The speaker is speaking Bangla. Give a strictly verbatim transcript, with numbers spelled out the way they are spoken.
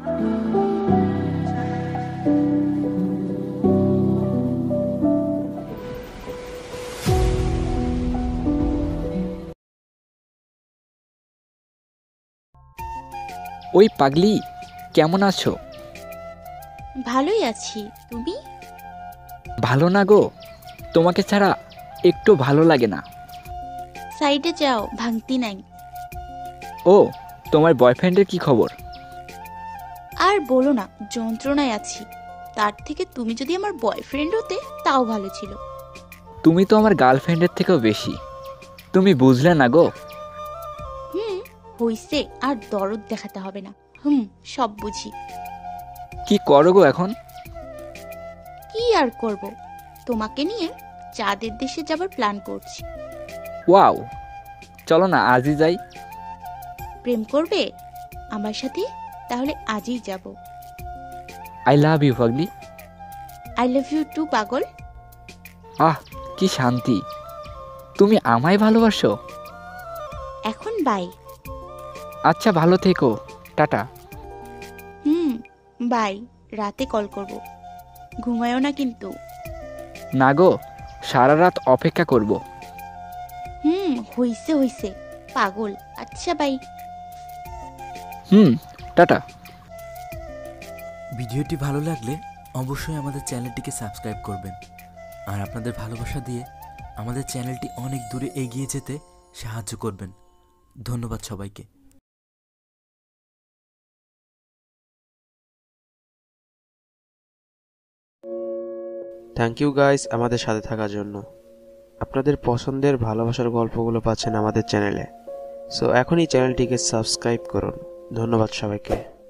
ওই পাগলি, কেমন আছো? ভালোই আছি, তুমি? ভালো না গো, তোমাকে ছাড়া একটু ভালো লাগে না। সাইডে যাও, ভাঙতি নাই। ও, তোমার বয়ফ্রেন্ডের কি খবর? আর বলো না, যন্ত্রণায় আছি। তার থেকে তুমি যদি আমার বয়ফ্রেন্ড হতে তাও ভালো ছিল। তুমি তো আমার গার্লফ্রেন্ডের থেকেও বেশি, তুমি বুঝলে না গো। হুম, হইছে, আর দরদ দেখাতে হবে না। হুম, সব বুঝি। কি করো গো এখন? কি আর করব, তোমাকে নিয়ে চাঁদের দেশে যাবার প্ল্যান করছি। ওয়াও, চলো না আজই যাই। প্রেম করবে আমার সাথে? তাহলে আজই যাব। আই লাভ ইউ পাগলি। আই লাভ ইউ টু পাগল। আহ, কি শান্তি, তুমি আমায় ভালোবাসো। এখন বাই। আচ্ছা, ভালো থেকো, টাটা। হুম, বাই। রাতে কল করব, ঘুমায়ও না কিন্তু। না গো, সারা রাত অপেক্ষা করব। হুম, হইছে হইছে, পাগল। আচ্ছা, বাই। Hmm, tata. ভিডিওটি ভালো লাগলে অবশ্যই আমাদের চ্যানেলটিকে সাবস্ক্রাইব করবেন, আর আপনাদের ভালোবাসা দিয়ে আমাদের চ্যানেলটি অনেক দূরে এগিয়ে যেতে সাহায্য করবেন। ধন্যবাদ সবাইকে। থ্যাংক ইউ গাইস আমাদের সাথে থাকার জন্য। আপনাদের পছন্দের ভালোবাসার গল্পগুলো পাচ্ছেন আমাদের চ্যানেলে। সো এখনই চ্যানেলটিকে সাবস্ক্রাইব করুন। ধন্যবাদ সবাইকে।